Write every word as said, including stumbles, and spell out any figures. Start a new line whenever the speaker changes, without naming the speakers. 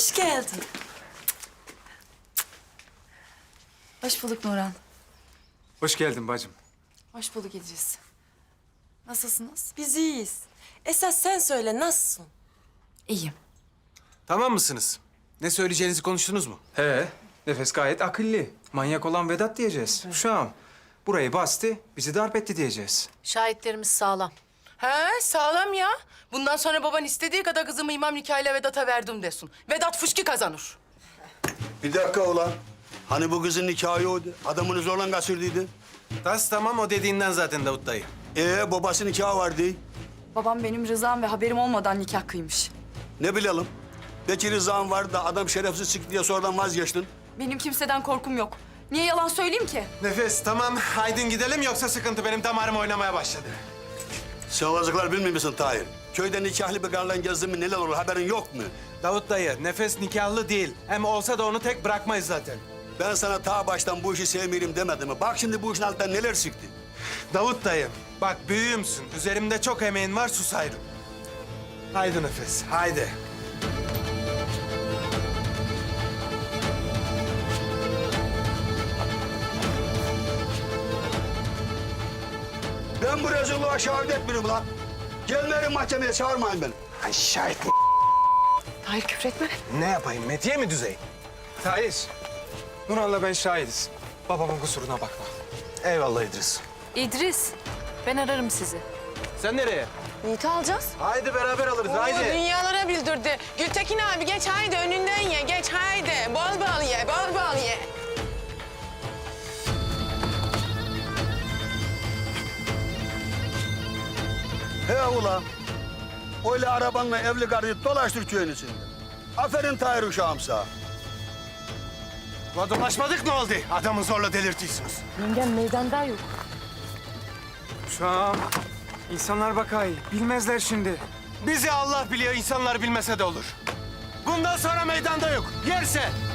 Hoş geldin.
Hoş bulduk Nurhan.
Hoş geldin bacım.
Hoş bulduk İdris. Nasılsınız?
Biz iyiyiz. Esas sen söyle, nasılsın?
İyiyim.
Tamam mısınız? Ne söyleyeceğinizi konuştunuz mu?
He, Nefes gayet akıllı. Manyak olan Vedat diyeceğiz. Şu an burayı bastı, bizi darp etti diyeceğiz.
Şahitlerimiz sağlam.
He sağlam ya. Bundan sonra baban istediği kadar kızımı imam nikahıyla Vedat'a verdim desin. Vedat fışkı kazanır.
Bir dakika ulan. Hani bu kızın nikahı oydu. Adamını zorla kaçırdıydı.
Tas tamam o dediğinden zaten Davut dayı.
Ee babası nikahı vardı.
Babam benim rızam ve haberim olmadan nikah kıymış.
Ne bilelim? Belki rızan vardı da adam şerefsiz çıktı diye sonradan vazgeçtin.
Benim kimseden korkum yok. Niye yalan söyleyeyim ki?
Nefes tamam haydin gidelim yoksa sıkıntı benim damarım oynamaya başladı.
Sen olacaklar bilmiyor musun Tahir? Köyde nikahlı bir karla gezdin mi neler olur haberin yok mu?
Davut dayı Nefes nikahlı değil. Hem olsa da onu tek bırakmayız zaten.
Ben sana ta baştan bu işi sevmiyorum demedim mi? Bak şimdi bu işin altından neler çıktı.
Davut dayı bak büyüğümsün. Üzerimde çok emeğin var sus ayrı. Haydi Nefes haydi.
Ben bu rezilliğe şahit etmiyorum lan. Gelmeyin mahkemeye çağırmayın beni.
Ay şahit mi?
Tahir küfretme.
Ne yapayım Metiye mi düzey?
Tahir, Nurhan'la ben şahidiz. Babamın kusuruna bakma.
Eyvallah İdris.
İdris, ben ararım sizi.
Sen nereye?
Yiğit'i alacağız.
Haydi beraber alırız
Oo,
haydi.
dünyalara bildirdi. Gültekin abi geç haydi önünden ye. Geç haydi. Bol bol ye. Bol bol ye.
He ulan. Öyle arabanla evli karıyı dolaştır köyün içinde. Aferin Tahir uşağım sağ.
Ulan dolaşmadık ne oldu? Adamı zorla delirtiyorsunuz.
Yengem meydanda yok.
Şu an insanlar bakay, bilmezler şimdi.
Bizi Allah biliyor, insanlar bilmese de olur. Bundan sonra meydanda yok. Yerse